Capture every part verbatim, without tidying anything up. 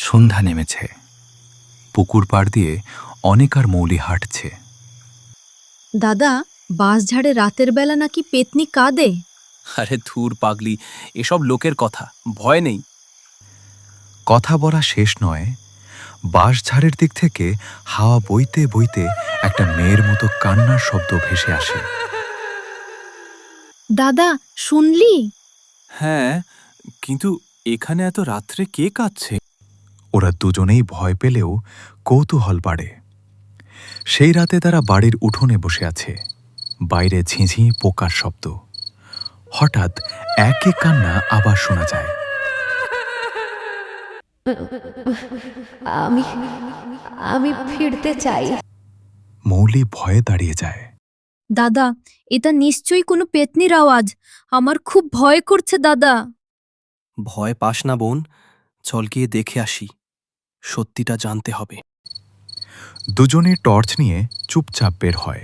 সন্ধ্যা নেমেছে। পুকুর পাড় দিয়ে অনেক আর মৌলি হাঁটছে। দাদা, বাঁশঝাড়ে রাতের বেলা নাকি পেতনি কাঁদে। আরে ধুর পাগলি, এসব লোকের কথা, ভয় নেই। কথা বলা শেষ নয়, বাঁশঝাড়ের দিক থেকে হাওয়া বইতে বইতে একটা মেয়ের মতো কান্নার শব্দ ভেসে আসে। দাদা, শুনলি? হ্যাঁ, কিন্তু এখানে এত রাত্রে কে কাঁদছে? ওরা দুজনেই ভয় পেলেও কৌতূহল বাড়ে। সেই রাতে তারা বাড়ির উঠোনে বসে আছে। বাইরে ঝিঁঝি পোকার শব্দ। হঠাৎ একই কান্না আবার শোনা যায়। আমি আমি ফিরতে চাই। মৌলি ভয়ে দাঁড়িয়ে যায়। দাদা, এটা নিশ্চয়ই কোনো পেতনির আওয়াজ। আমার খুব ভয় করছে দাদা। ভয় পাস না বোন, চল গিয়ে দেখে আসি, সত্যিটা জানতে হবে। দুজনে টর্চ নিয়ে চুপচাপ বের হয়।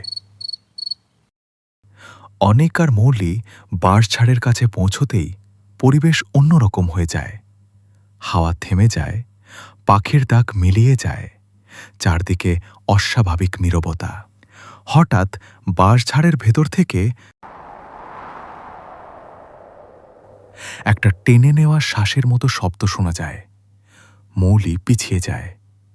অনেক আর মৌলি বাঁশঝাড়ের কাছে পৌঁছতেই পরিবেশ অন্যরকম হয়ে যায়। হাওয়া থেমে যায়, পাখির ডাক মিলিয়ে যায়, চারদিকে অস্বাভাবিক নীরবতা। হঠাৎ বাঁশঝাড়ের ভেতর থেকে একটা টেনে নেওয়া শ্বাসের মতো শব্দ শোনা যায়। মৌলি পিছিয়ে যায়।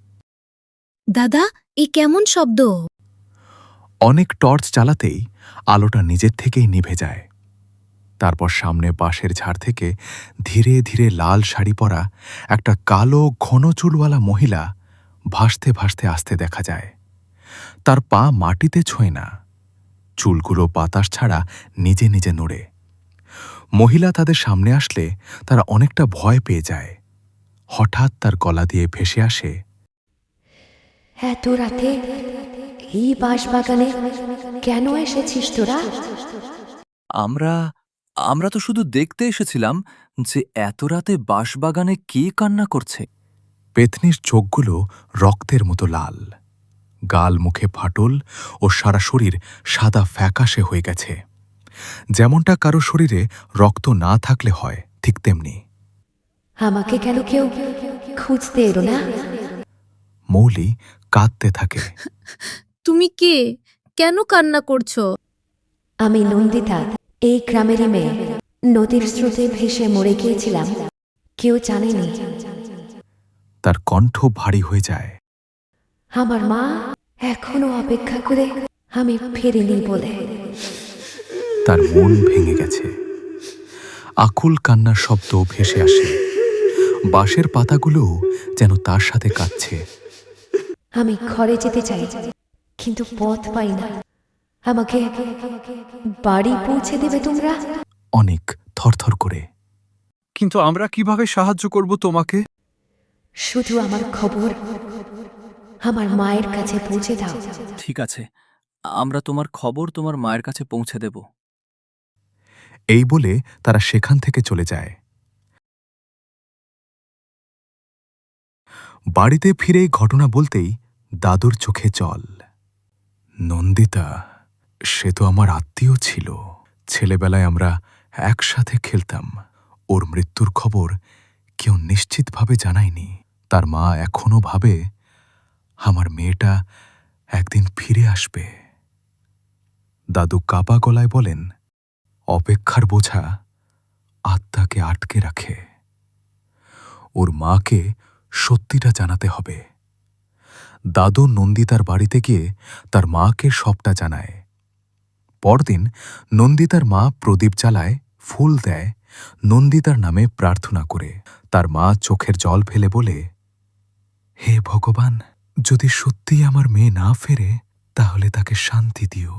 দাদা, এ কেমন শব্দ? অনেক টর্চ চালাতেই আলোটা নিজের থেকেই নিভে যায়। তারপর সামনে বাঁশের ঝাড় থেকে ধীরে ধীরে লাল শাড়ি পরা একটা কালো ঘন চুলওয়ালা মহিলা ভাসতে ভাসতে আসতে দেখা যায়। তার পা মাটিতে ছোঁয় না, চুলগুলো বাতাস ছাড়া নিজে নিজে নড়ে। মহিলা তাদের সামনে আসলে তারা অনেকটা ভয় পেয়ে যায়। হঠাৎ তার গলা দিয়ে ভেসে আসে, এত রাতে এই বাঁশবাগানে কেন এসেছিস তোরা? আমরা আমরা তো শুধু দেখতে এসেছিলাম যে এত রাতে বাঁশবাগানে কে কান্না করছে। পেতনির চোখগুলো রক্তের মতো লাল, গাল মুখে ফাটল ও সারা শরীর সাদা ফ্যাকাশে হয়ে গেছে। যেমনটা কারো শরীরে রক্ত না থাকলে হয়, ঠিক তেমনি। আমাকে কেন কেউ খুঁজতে এলো না? মৌলি কাঁদতে থাকে। তুমি কে? কেন কান্না করছো? আমি নন্দিতা, এই গ্রামেরই মেয়ে। নদীর স্রোতে ভেসে মরে গিয়েছিলাম, কেউ জানেনি। তার কণ্ঠ ভারী হয়ে যায়। আমার মা এখনো অপেক্ষা করে আমি ফিরিনি বলে। তার মন ভেঙে গেছে। আকুল কান্নার শব্দ ভেসে আসে। বাঁশের পাতাগুলো যেন তার সাথে কাঁদছে। আমি ঘরে যেতে চাই, কিন্তু পথ পাই না। আমাকে বাড়ি পৌঁছে দেবে তোমরা? অনেক থরথর করে। কিন্তু আমরা কিভাবে সাহায্য করব তোমাকে? শুধু আমার খবর আমার মায়ের কাছে পৌঁছে দাও। ঠিক আছে, আমরা তোমার খবর তোমার মায়ের কাছে পৌঁছে দেব। এই বলে তারা সেখান থেকে চলে যায়। বাড়িতে ফিরে ঘটনা বলতেই দাদুর চোখে জল। নন্দিতা, সে তো আমার আত্মীয় ছিল। ছেলেবেলায় আমরা একসাথে খেলতাম। ওর মৃত্যুর খবর কেউ নিশ্চিতভাবে জানায়নি। তার মা এখনো ভাবে আমার মেয়েটা একদিন ফিরে আসবে। দাদু কাপা গলায় বলেন, অপেক্ষার বোঝা আত্মাকে আটকে রাখে। ওর মাকে সত্যিটা জানাতে হবে। দাদু নন্দিতার বাড়িতে গিয়ে তার মাকে সবটা জানায়। পরদিন নন্দিতার মা প্রদীপ জ্বালায়, ফুল দেয়, নন্দিতার নামে প্রার্থনা করে। তার মা চোখের জল ফেলে বলে, হে ভগবান, যদি সত্যিই আমার মেয়ে না ফেরে তাহলে তাকে শান্তি দিও।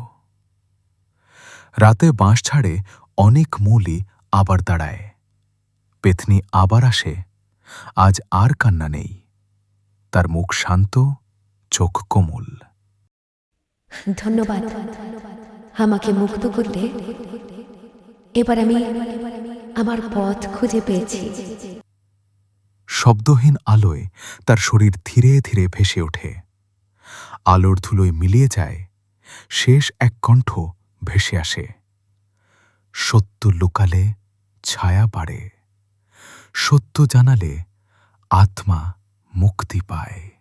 রাতে বাঁশঝাড়ে অনেক মৌলি আবার দাঁড়ায়। পেতনি আবার আসে। আজ আর কান্না নেই। তার মুখ শান্ত, চোখ কোমল। ধন্যবাদ আমাকে মুক্ত করলে। এবার আমি আমার পথ খুঁজে পেয়েছি। শব্দহীন আলোয় তার শরীর ধীরে ধীরে ভেসে ওঠে। আলোর ধুলোয় মিলিয়ে যায়। শেষ এক কণ্ঠ ভেসে আসে, সত্য লুকালে ছায়া বাড়ে, সত্য জানালে আত্মা মুক্তি পায়।